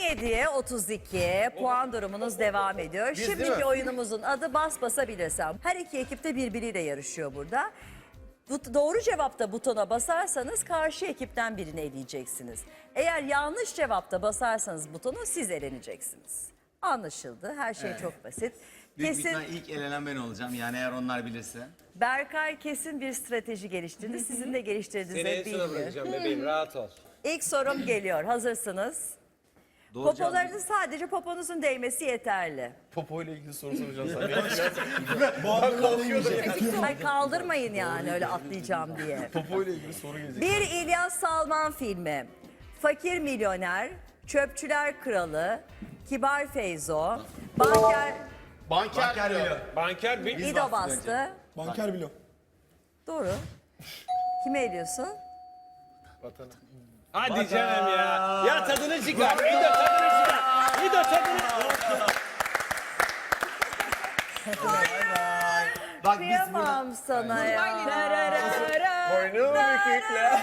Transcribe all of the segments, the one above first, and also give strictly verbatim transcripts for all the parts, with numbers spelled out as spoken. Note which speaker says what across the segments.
Speaker 1: yediye otuz iki puan durumunuz devam ediyor.
Speaker 2: Biz değil
Speaker 1: Şimdiki
Speaker 2: mi?
Speaker 1: oyunumuzun adı Bas Basabilirsem. Her iki ekip de birbiriyle yarışıyor burada. Bu, doğru cevapta butona basarsanız karşı ekipten birini eleyeceksiniz. Eğer yanlış cevapta basarsanız butonu siz eleneceksiniz. Anlaşıldı. Her şey çok basit.
Speaker 3: Büyük
Speaker 1: Kesin
Speaker 3: ihtimal ilk elenen ben olacağım yani eğer onlar bilirse.
Speaker 1: Berkay kesin bir strateji geliştirdi. Sizin de geliştirdiğinize
Speaker 4: Seni en sona
Speaker 1: bilmiyorum.
Speaker 4: bırakacağım bebeğim, rahat ol.
Speaker 1: İlk sorum geliyor. Hazırsınız.
Speaker 3: Doğru cevap-
Speaker 1: Popolarınız sadece poponuzun değmesi yeterli.
Speaker 2: Popo ile ilgili soru soracağım sana.
Speaker 1: Hayır, kaldırmayın yani öyle atlayacağım diye.
Speaker 2: Popo ile ilgili soru gelecek.
Speaker 1: Bir İlyas Salman filmi. Fakir Milyoner, Çöpçüler Kralı, Kibar Feyzo, Banker
Speaker 2: Banker, Banker
Speaker 4: Banker bir...
Speaker 1: İdo bastı.
Speaker 5: Banker bilo.
Speaker 1: Doğru. Kime ediyorsun?
Speaker 4: Hadi canım ya. Ya tadını çıkar. İdo tadını çıkar. İdo tadını...
Speaker 3: Bak biz burada
Speaker 1: Kıyamam sana ya.
Speaker 2: Boynu bükükler.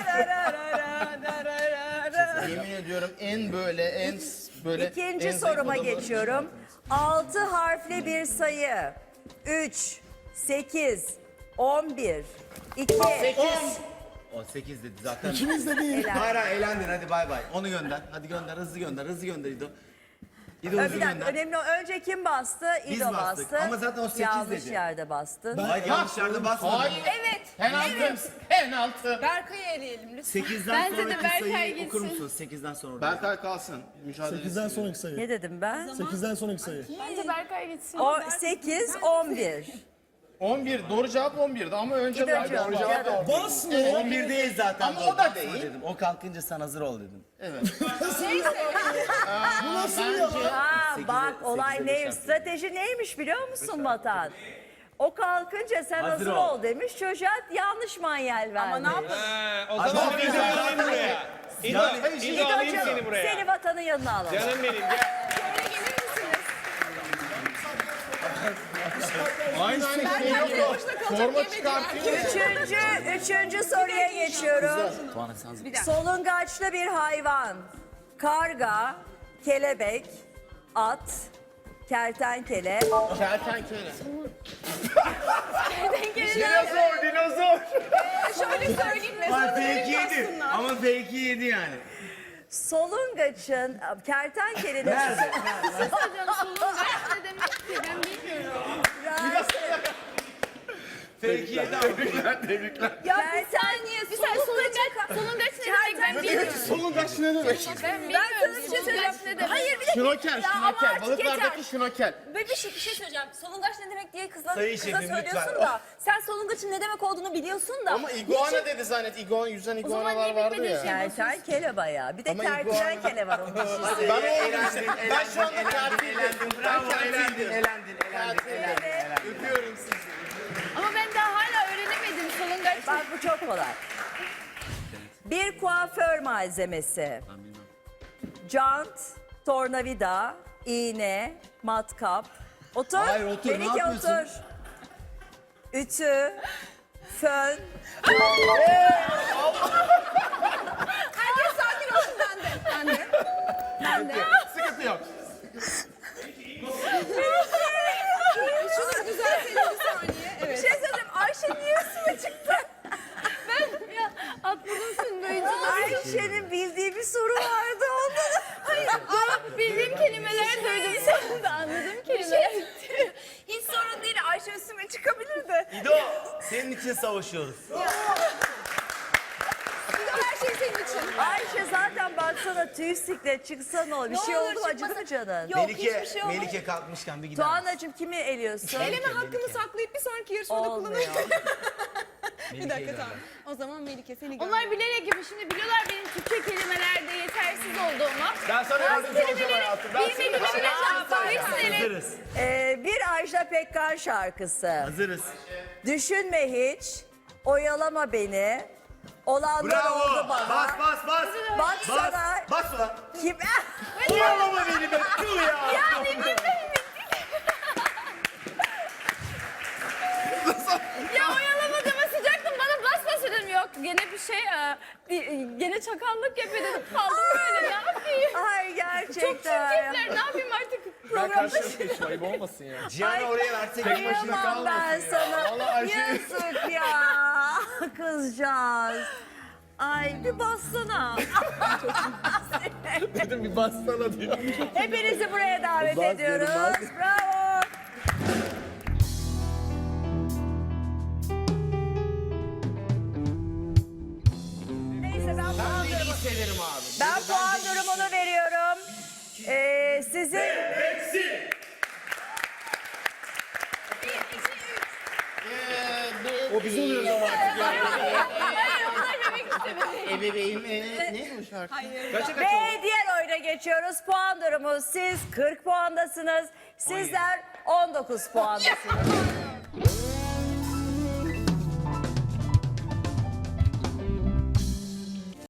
Speaker 2: Yemin ediyorum en böyle en böyle
Speaker 1: İkinci
Speaker 2: en zayıf
Speaker 1: soruma
Speaker 2: adamı-
Speaker 1: geçiyorum. Altı harfli bir sayı. Üç, sekiz, on bir, iki,
Speaker 3: o sekiz dedi zaten.
Speaker 5: İkimiz de değil.
Speaker 3: Hayır hayır eğlendin hadi bay bay. Onu gönder. Hadi gönder hızlı gönder hızlı gönder İdo. İdo
Speaker 1: Ö,
Speaker 3: hızlı
Speaker 1: Bir dakika,
Speaker 3: gönder.
Speaker 1: önemli o. Önce kim bastı?
Speaker 3: Biz
Speaker 1: İdo
Speaker 3: bastık.
Speaker 1: bastı.
Speaker 3: Ama zaten o sekiz
Speaker 1: Yanlış
Speaker 3: dedi.
Speaker 1: yerde bastın.
Speaker 3: Hayır yanlış yerde basmadın.
Speaker 2: Hayır.
Speaker 6: Evet.
Speaker 2: Penaltı. Penaltı.
Speaker 6: Berkay'ı eleyelim lütfen.
Speaker 3: sekizden
Speaker 6: Bence de
Speaker 3: sonraki
Speaker 6: Berkay
Speaker 3: sayıyı okur
Speaker 6: gitsin.
Speaker 3: musun? sekizden sonra.
Speaker 2: Berkay kalsın. Mücadele.
Speaker 5: sekizden sonraki sayı.
Speaker 1: Ne dedim ben?
Speaker 5: sekizden sonraki sayı.
Speaker 6: Bence Berkay gitsin.
Speaker 1: O sekiz, on bir.
Speaker 2: on bir. Doğru cevap on birdi ama önce
Speaker 1: İdo
Speaker 2: ben
Speaker 1: cevap.
Speaker 2: doğru cevap
Speaker 1: İdo.
Speaker 5: Bas mı?
Speaker 3: on bir değil zaten.
Speaker 2: Ama
Speaker 3: doğru.
Speaker 2: o da
Speaker 3: Basma
Speaker 2: değil.
Speaker 3: Dedim. O kalkınca sen hazır ol dedim.
Speaker 5: Bu nasıl ya?
Speaker 1: Ha
Speaker 3: sekize-
Speaker 1: bak olay
Speaker 3: sekize beş
Speaker 1: ne?
Speaker 3: yaptım.
Speaker 1: Strateji neymiş biliyor musun Vatan? O kalkınca sen hazır,
Speaker 3: Hazır
Speaker 1: ol.
Speaker 3: ol.
Speaker 1: demiş. Çocuğa yanlış manyel vermiş. Ama ne yapalım?
Speaker 4: Ha, o zaman İdo alayım buraya. İdo, İdo alayım seni buraya.
Speaker 1: Seni Vatan'ın yanına alalım.
Speaker 4: Canım benim gel.
Speaker 6: Şöyle gelir misiniz?
Speaker 2: Aynı aynı şey yapıyor. Forma çıkartıyor.
Speaker 1: Üçüncü, üçüncü soruya geçiyorum.
Speaker 3: Tuana sen hazır.
Speaker 1: Solungaçlı bir hayvan. Karga, kelebek, at, kertenkele.
Speaker 2: Kertenkele.
Speaker 4: Dinozor, dinozor.
Speaker 6: Şöyle söyleyeyim
Speaker 3: Bak
Speaker 6: mesela.
Speaker 3: fake yedi. Ama fake yedi yani.
Speaker 1: Solungaçın, kertenkelenin...
Speaker 3: Nerede?
Speaker 6: Hocam solungaç ne demek ki ben bilmiyorum.
Speaker 3: Fake yedi ama.
Speaker 1: Ya bir saniye,
Speaker 6: Bir saniye solungaç, solungaç ne demek ben bilmiyorum.
Speaker 2: Solungaç ne demek?
Speaker 6: Ben bilmiyorum solungaç ne demek.
Speaker 7: Hayır bir dakika.
Speaker 2: Şnokel,
Speaker 7: Ya ama
Speaker 2: şnokel.
Speaker 7: artık
Speaker 2: Balıklardaki
Speaker 7: yeter.
Speaker 2: şnokel.
Speaker 7: Böyle bir şey, bir şey söyleyeceğim. Solungaç ne demek diye kızla,
Speaker 3: Sayın
Speaker 7: kıza
Speaker 3: şefim,
Speaker 7: söylüyorsun
Speaker 3: lütfen.
Speaker 7: da. Sen solungaçın ne demek olduğunu biliyorsun da.
Speaker 2: Ama iguana dedi zannet. Iguana, yüzen
Speaker 6: zaman
Speaker 2: iguanalar
Speaker 6: niye
Speaker 2: vardı
Speaker 6: bilmediğin
Speaker 2: ya.
Speaker 6: şey-
Speaker 1: Kertenkele bayağı. Bir de
Speaker 2: Ama
Speaker 1: kertenkele var onun dişisi.
Speaker 2: Ben oldum işte. Ben şu anda
Speaker 3: Elendin,
Speaker 2: katildim.
Speaker 3: elendin, bravo, elendin, elendin, elendin, elendin.
Speaker 2: Öpüyorum sizi.
Speaker 6: Ama ben daha hala öğrenemedim solungaç.
Speaker 1: Bak bu çok kolay. Bir kuaför malzemesi. Jant, tornavida, iğne, matkap. Otur.
Speaker 3: Hayır, otur, ne
Speaker 1: Melike
Speaker 3: yapıyorsun?
Speaker 1: otur. Ütü, fön.
Speaker 6: Herkes sakin olsun ben de. Ben de. Ben de.
Speaker 2: Sıkıntı yok.
Speaker 6: Şunu düzeltelim bir saniye. Evet.
Speaker 1: Bir şey söyleyeyim. Ayşe niye üstüme çıktı?
Speaker 6: Ben ya atladım senin böyle.
Speaker 1: Ayşe'nin bildiği bir soru vardı ondan.
Speaker 6: Hayır. Aa, bildiğim kelimeler duydum. Sen de anladım kelimeler.
Speaker 7: Hiç sorun değil. Ayşe üstüme çıkabilirdi.
Speaker 3: İdo, senin için savaşıyoruz.
Speaker 6: Her şey senin için.
Speaker 1: Ayşe zaten baksana tüy siklet çıksa ne olur? Bir
Speaker 7: Ne
Speaker 1: şey
Speaker 7: olur
Speaker 1: oldu mu? Acıdı
Speaker 7: çıkmasın.
Speaker 1: mı canın?
Speaker 7: Yok
Speaker 3: Melike,
Speaker 7: hiçbir şey olmaz.
Speaker 3: Melike kalkmışken bir gider misin?
Speaker 1: Tuğan'cığım kimi eliyorsun?
Speaker 6: Eleme hakkımı saklayıp bir sonraki yarışmada
Speaker 1: Olmuyor.
Speaker 6: kullanırım.
Speaker 3: Bir dakika tamam.
Speaker 6: O zaman Melike seni gör. Onlar bilerek gibi şimdi biliyorlar benim Türkçe kelimelerde yetersiz olduğumu.
Speaker 2: Ben sana yardımcı olacağım hayatım. Ben seni
Speaker 6: Bilmediğimi bile çarptım.
Speaker 3: Hazırız.
Speaker 1: Ee, bir Ajda Pekkan şarkısı.
Speaker 3: Hazırız.
Speaker 1: Düşünme hiç, oyalama beni. Olanlar oldu
Speaker 3: Bravo.
Speaker 1: bana.
Speaker 3: Bas bas bas.
Speaker 1: Bak
Speaker 3: Bas.
Speaker 1: sana.
Speaker 3: Bas ulan.
Speaker 1: Kim?
Speaker 3: Oyalama beni be. Tüh ya.
Speaker 6: Ya oyalamadığıma sıcaktım bana bas bas dedim. Yok gene bir şey e, bir- gene çakallık yapıyor dedim. Kaldım böyle ne yapayım.
Speaker 1: Ay gerçekten. Gerçekten.
Speaker 6: Çok çirkefler. Ne yapayım artık?
Speaker 1: Programda
Speaker 2: Ayıp olmasın ya.
Speaker 3: Cihan'ı oraya versek.
Speaker 1: kıyamam ben sana.
Speaker 2: Vallahi Ayşe-
Speaker 1: Yazık ya. Kızcağız. Ay bir bassana.
Speaker 2: Dedim bir bassana diyor.
Speaker 1: Hepinizi buraya davet
Speaker 2: Bas dedim,
Speaker 1: ediyoruz.
Speaker 2: bas.
Speaker 1: Bravo. Neyse ben puan durumu,
Speaker 3: Severim abi.
Speaker 1: ben puan durumunu veriyorum. Ee, sizin
Speaker 2: O biz oluyoruz ama artık ya.
Speaker 6: Hayır onlar bebek istemedi.
Speaker 3: Ebeveyn e, neydi o şarkı?
Speaker 1: ve diğer oyuna geçiyoruz. Puan durumu siz kırk puandasınız. Sizler on dokuz puandasınız.